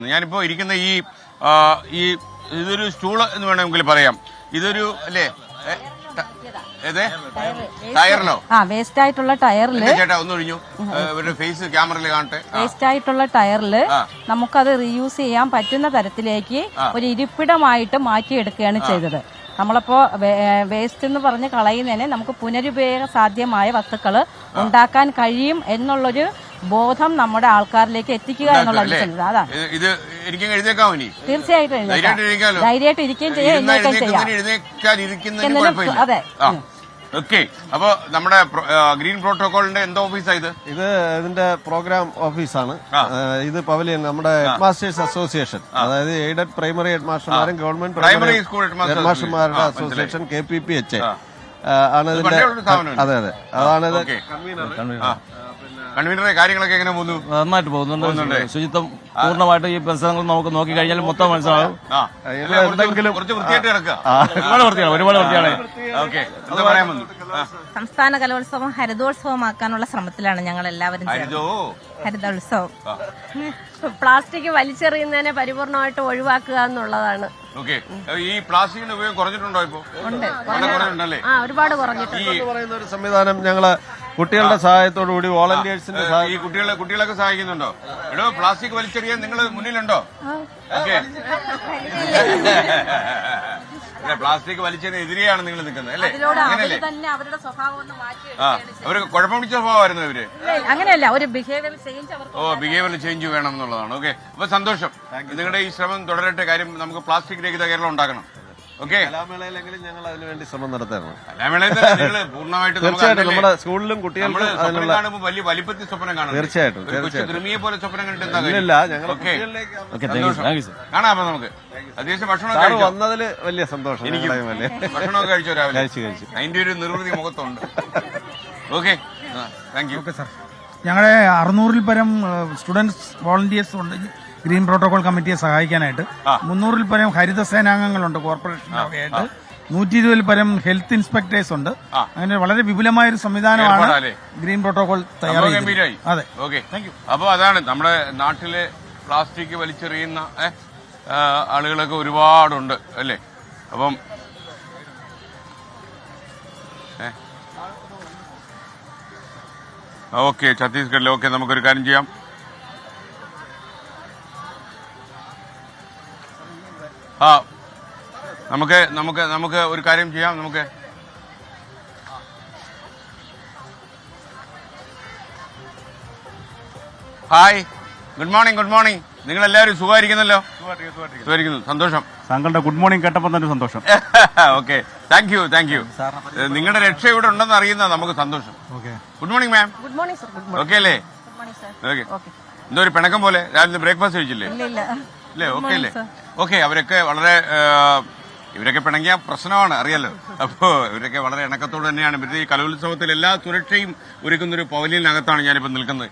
ഞാനിപ്പോ ഇരിക്കുന്ന ഈ ഇതൊരു സ്റ്റൂള് എന്ന് വേണമെങ്കിൽ പറയാം. ഇതൊരു അല്ലേ ടയറിലോ വേസ്റ്റ് ആയിട്ടുള്ള ടയറില് ചേട്ടാ ഒന്നൊഴിഞ്ഞു ഇവരുടെ ഫേസ് ക്യാമറയിൽ കാണട്ടെ. വേസ്റ്റ് ആയിട്ടുള്ള ടയറില് നമുക്കത് റീയൂസ് ചെയ്യാൻ പറ്റുന്ന തരത്തിലേക്ക് ഒരു ഇരിപ്പിടമായിട്ട് മാറ്റിയെടുക്കുകയാണ് ചെയ്തത്. നമ്മളിപ്പോ വേസ്റ്റ് എന്ന് പറഞ്ഞ് കളയുന്നതിനെ നമുക്ക് പുനരുപയോഗ സാധ്യമായ വസ്തുക്കൾ ഉണ്ടാക്കാൻ കഴിയും എന്നുള്ളൊരു ബോധം നമ്മുടെ ആൾക്കാരിലേക്ക് എത്തിക്കുക എന്നുള്ള അതാണ്. ഇത് എനിക്ക് എഴുതേക്കാമോ? തീർച്ചയായിട്ടും ധൈര്യമായിട്ട് ഇരിക്കുകയും ചെയ്യാം. അതെ. ഓക്കെ. അപ്പൊ നമ്മുടെ ഗ്രീൻ പ്രോട്ടോകോളിന്റെ എന്താ ഓഫീസാ ഇത്? ഇതിന്റെ പ്രോഗ്രാം ഓഫീസാണ്. ഇത് പവലിയൻ നമ്മുടെ ഹെഡ് മാസ്റ്റേഴ്സ് അസോസിയേഷൻ, അതായത് എയ്ഡഡ് പ്രൈമറി ഹെഡ് മാസ്റ്റർമാരും ഗവൺമെന്റ് പ്രൈമറി സ്കൂൾ ഹെഡ് മാസ്റ്റർമാരുടെ അസോസിയേഷൻ KPPH ആണ് ഇതിന്റെ. അതെ അതെ, അതാണിത്. കൺവീനറെ കാര്യങ്ങളൊക്കെ എങ്ങനെ പോകുന്നു? നന്നായിട്ട് പോകുന്നുണ്ട്. ശുചിത്വം പൂർണ്ണമായിട്ട് ഈ പരിസരങ്ങൾ നമുക്ക് നോക്കി കഴിഞ്ഞാൽ മൊത്തം മനസ്സിലാവും. കുറച്ച് വൃത്തിയായിട്ട് കിടക്കുക. ഒരുപാട് വൃത്തിയാണ്. ഓക്കെ, എന്താ പറയാൻ വന്നു? സംസ്ഥാന കലോത്സവം ഹരിതോത്സവമാക്കാനുള്ള ശ്രമത്തിലാണ് ഞങ്ങൾ എല്ലാവരും. ഹരിതോത്സവം പ്ലാസ്റ്റിക് വലിച്ചെറിയുന്നതിനെ പരിപൂർണമായിട്ട് ഒഴിവാക്കുക എന്നുള്ളതാണ്. ഓക്കെ. ഈ പ്ലാസ്റ്റിക്കിന്റെ ഉപയോഗം കുറഞ്ഞിട്ടുണ്ടോ? ഇപ്പോ കുറഞ്ഞിട്ടുണ്ടല്ലേ? ഒരുപാട് കുറഞ്ഞിട്ടുണ്ട്. പറയുന്ന ഒരു സംവിധാനം ഞങ്ങള് കുട്ടികളുടെ സഹായത്തോടുകൂടി വോളണ്ടിയേഴ്സിന്റെ ഈ കുട്ടികളൊക്കെ സഹായിക്കുന്നുണ്ടോ? എടോ, പ്ലാസ്റ്റിക് വലിച്ചെറിയാൻ നിങ്ങൾ മുന്നിലുണ്ടോ? ഓക്കെ. പ്ലാസ്റ്റിക് വലിച്ചതിനെതിരെയാണ് നിങ്ങൾ നിൽക്കുന്നത് അല്ലേ? അങ്ങനെയല്ലേ? അവര് കുഴപ്പം പിടിച്ച സ്വഭാവമായിരുന്നു ഇവര്. അങ്ങനെയല്ല, ഒരു ബിഹേവിയർ ചേഞ്ച്. ബിഹേവിയർ ചേഞ്ച് വേണം എന്നുള്ളതാണ്. ഓക്കെ, അപ്പൊ സന്തോഷം. നിങ്ങളുടെ ഈ ശ്രമം തുടരട്ടെ. കാര്യം നമുക്ക് പ്ലാസ്റ്റിക് രഹിത കേരളം ഉണ്ടാക്കണം. ഓക്കെ, കലാമേളയിലെങ്കിലും ഞങ്ങൾ അതിനുവേണ്ടി ശ്രമം നടത്തണം. കലാമേളയിൽ പൂർണ്ണമായിട്ട് നമ്മുടെ സ്കൂളിലും കുട്ടികളും കാണുമ്പോൾ വലിയ വലിപ്പത്തിൽ സ്വപ്നം കാണും. തീർച്ചയായിട്ടും കൃമിയെ പോലെ സ്വപ്നം കണ്ടിട്ട് കാണാം. അപ്പൊ നമുക്ക് അത്യാവശ്യം ഭക്ഷണം വന്നതിൽ വലിയ സന്തോഷം. ഭക്ഷണമൊക്കെ കഴിച്ചോ? രാവിലെ കഴിച്ചു. അതിന്റെ ഒരു നിർവൃതി മുഖത്തുണ്ട്. Okay, thank you. Okay sir, ഞങ്ങളുടെ 600-ൽ പരം സ്റ്റുഡൻസ് വോളണ്ടിയേഴ്സ് ഉണ്ട് ഗ്രീൻ പ്രോട്ടോകോൾ കമ്മിറ്റിയെ സഹായിക്കാനായിട്ട്. 300-ൽ പരം ഹരിത സേനാംഗങ്ങളുണ്ട് കോർപ്പറേഷനൊക്കെയായിട്ട്. 120-ൽ പരം ഹെൽത്ത് ഇൻസ്പെക്ടേഴ്സ് ഉണ്ട്. അങ്ങനെ വളരെ വിപുലമായ ഒരു സംവിധാനമാണ് ഗ്രീൻ പ്രോട്ടോകോൾ തയ്യാറായി. അതെ, ഓക്കെ, താങ്ക് യു. അപ്പൊ അതാണ് നമ്മുടെ നാട്ടിലെ പ്ലാസ്റ്റിക് വലിച്ചെറിയുന്ന ആളുകളൊക്കെ ഒരുപാടുണ്ട് അല്ലേ? അപ്പം ഓക്കെ, ഛത്തീസ്ഗഡിൽ. ഓക്കെ, നമുക്കൊരു കാര്യം ചെയ്യാം. നമുക്ക് ഒരു കാര്യം ചെയ്യാം. നമുക്ക് ഹായ്, ഗുഡ് മോർണിംഗ്. നിങ്ങൾ എല്ലാവരും സുഖമായിരിക്കുന്നല്ലോ? സുഖമായിരിക്കുന്നു, സന്തോഷം. താങ്കളുടെ ഗുഡ് മോർണിംഗ് കേട്ടപ്പോൾ തന്നെ സന്തോഷം. Okay, thank you. നിങ്ങളുടെ രക്ഷ ഇവിടെ ഉണ്ടെന്ന് അറിയുന്ന നമുക്ക് സന്തോഷം. Good morning ma'am. Good morning sir. Okay അല്ലേ? ഓക്കെ. എന്തോ ഒരു പിണക്കം പോലെ. രാവിലെ ബ്രേക്ക്ഫാസ്റ്റ് കഴിച്ചില്ലേ? അല്ലേ? ഓക്കെ അല്ലേ? ഓക്കെ. അവരൊക്കെ വളരെ ഇവരൊക്കെ പിണങ്ങിയ പ്രശ്നമാണ്, അറിയാലോ. അപ്പോ ഇവരൊക്കെ വളരെ ഇണക്കത്തോട് തന്നെയാണ്. ഇവരുടെ ഈ കലോത്സവത്തിൽ എല്ലാ സുരക്ഷയും ഒരുക്കുന്നൊരു പവലിയനകത്താണ് ഞാനിപ്പോൾ നിൽക്കുന്നത്.